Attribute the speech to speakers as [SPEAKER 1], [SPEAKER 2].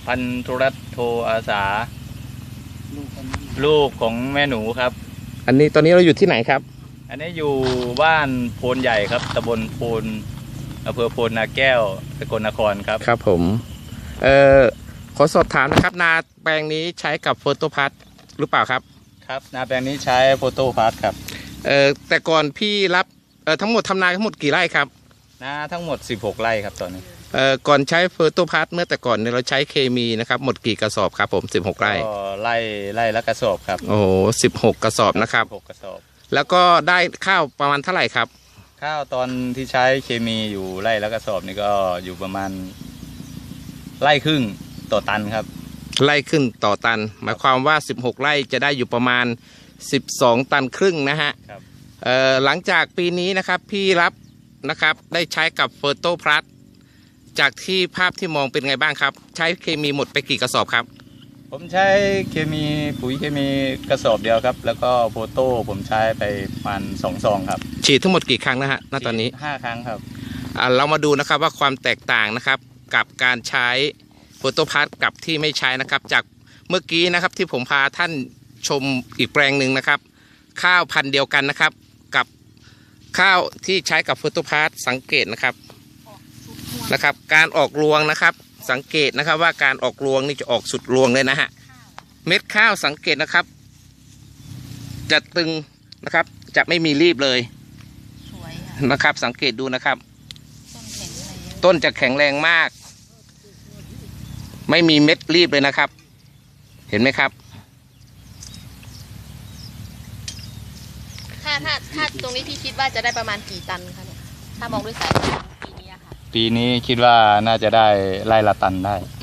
[SPEAKER 1] พันธุรัตน์โทอาสาลูกของแม่หนูครับ
[SPEAKER 2] อันนี้ตอนนี้เราอยู่ที่ไหนครับ
[SPEAKER 1] อันนี้อยู่บ้านโพนใหญ่ครับตำบลโพนอำเภอโพนนาแก้วสกลนครครับ
[SPEAKER 2] ครับผมขอสอบถามนะครับนาแปลงนี้ใช้กับโฟโตพัทหรือเปล่าครับ
[SPEAKER 1] ครับนาแปลงนี้ใช้โฟโต้พาร์ทครับ
[SPEAKER 2] แต่ก่อนพี่รับทั้งหมดทำนาทั้งหมดกี่ไร่ครับ
[SPEAKER 1] นาทั้งหมด16 ไร่ครับตอนนี้
[SPEAKER 2] ก่อนใช้โฟโตพัทเมื่อแต่ก่อนเนี่ยเราใช้เคมีนะครับหมดกี่กระสอบครับผม16 ไร่
[SPEAKER 1] ก็ไร่ละกระสอบครับ
[SPEAKER 2] โอ้โห16 กระสอบนะครับ
[SPEAKER 1] 16 กระสอบ
[SPEAKER 2] แล้วก็ได้ข้าวประมาณเท่าไหร่ครับ
[SPEAKER 1] ข้าวตอนที่ใช้เคมีอยู่ไร่ละกระสอบนี่ก็อยู่ประมาณไร่ครึ่งต่อตันครับ
[SPEAKER 2] ไร่ครึ่งต่อตันหมายความว่า16 ไร่จะได้อยู่ประมาณ12 ตันครึ่งนะฮะหลังจากปีนี้นะครับพี่รับนะครับได้ใช้กับโฟโตพลัสจากที่ภาพที่มองเป็นไงบ้างครับใช้เคมีหมดไปกี่กระสอบครับ
[SPEAKER 1] ผมใช้เคมีปุ๋ยเคมีกระสอบเดียวครับแล้วก็โฟโต้ผมใช้ไปประมาณ2 ซองครับ
[SPEAKER 2] ฉีดทั้งหมดกี่ครั้งนะฮะณตอนนี้
[SPEAKER 1] 5 ครั้งครับ
[SPEAKER 2] เรามาดูนะครับว่าความแตกต่างนะครับกับการใช้โฟโตพลัสกับที่ไม่ใช้นะครับจากเมื่อกี้นะครับที่ผมพาท่านชมอีกแปลงหนึ่งนะครับข้าวพันธุ์เดียวกันนะครับกับข้าวที่ใช้กับโฟโตพลัสสังเกตนะครับการออกรวงนะครับสังเกตนะครับว่าการออกรวงนี่จะออกสุดรวงเลยนะฮะเม็ดข้าวสังเกตนะครับจะตึงนะครับจะไม่มีรีบเลยนะครับสังเกตดูนะครับต้นจะแข็งแรงมากไม่มีเม็ดรีบเลยนะครับเห็นไหมครับ
[SPEAKER 3] ถ้าตรงนี้พี่คิดว่าจะได้ประมาณกี่ตันคะเนี่ยถ้ามองด้วยสายตาปีนี้ค่ะ
[SPEAKER 1] ปีนี้คิดว่าน่าจะได้ไร่ละตันได้